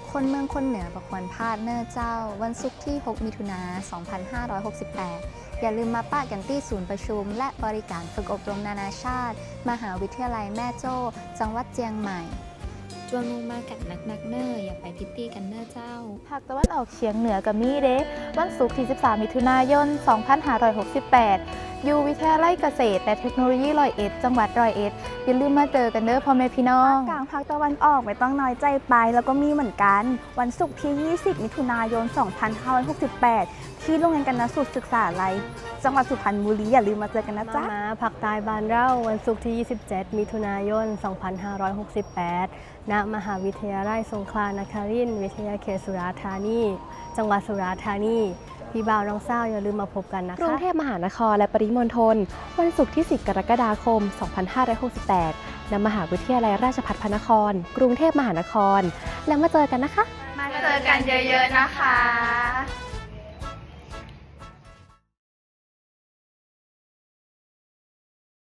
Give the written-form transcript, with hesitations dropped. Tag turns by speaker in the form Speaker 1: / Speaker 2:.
Speaker 1: คนเมืองคนเหนือประควรพลาดเนอร์เจ้าวันศุกร์ที่ 6 มิถุนายน 2568 อย่าลืมมาป้ากันที่ศูนย์ประชุมและบริการฝึกอบรมนานาชาติ มหาวิทยาลัยแม่โจ้ จังหวัดเจียงใหม่
Speaker 2: จวนลงมากันนักเนอร์อย่าไปพิตตี้กันเนอร์เจ้า
Speaker 3: ภาคตะวันออกเฉียงเหนือกับมีเด้วันศุกร์ที่ 13 มิถุนายน 2568 อยู่วิทยาลัยเกษตรและเทคโนโลยี101 จังหวัด101 อย่าลืมมาเจอกันเด้อพ่อแม่พี่น้อง
Speaker 4: กลางภาคตะวันออกไม่ต้องน้อยใจไปแล้วก็มีเหมือนกัน วันศุกร์ที่ 20 มิถุนายน 2568 ที่โรงเรียนกนสูตรศึกษาลัยจังหวัดสุพรรณบุรีอย่าลืมมาเจอกันนะจ๊ะ
Speaker 5: มาภาคใต้บ้านเราวันศุกร์ที่ 27 มิถุนายน 2568 ณ มหาวิทยาลัยสงขลานครินทร์วิทยาเขตสุราษฎร์ธานี จังหวัดสุราษฎร์ธานี พี่บ่าวน้องสาวอย่าลืมมาพบกันนะคะ
Speaker 6: กรุงเทพมหานครและปริมณฑลวันศุกร์ที่ 10 กรกฎาคม 2568 ณ มหาวิทยาลัยราชภัฏพระนคร กรุงเทพมหานคร แล้วมาเจอกันนะคะ
Speaker 3: มาเจอกันเยอะๆนะคะ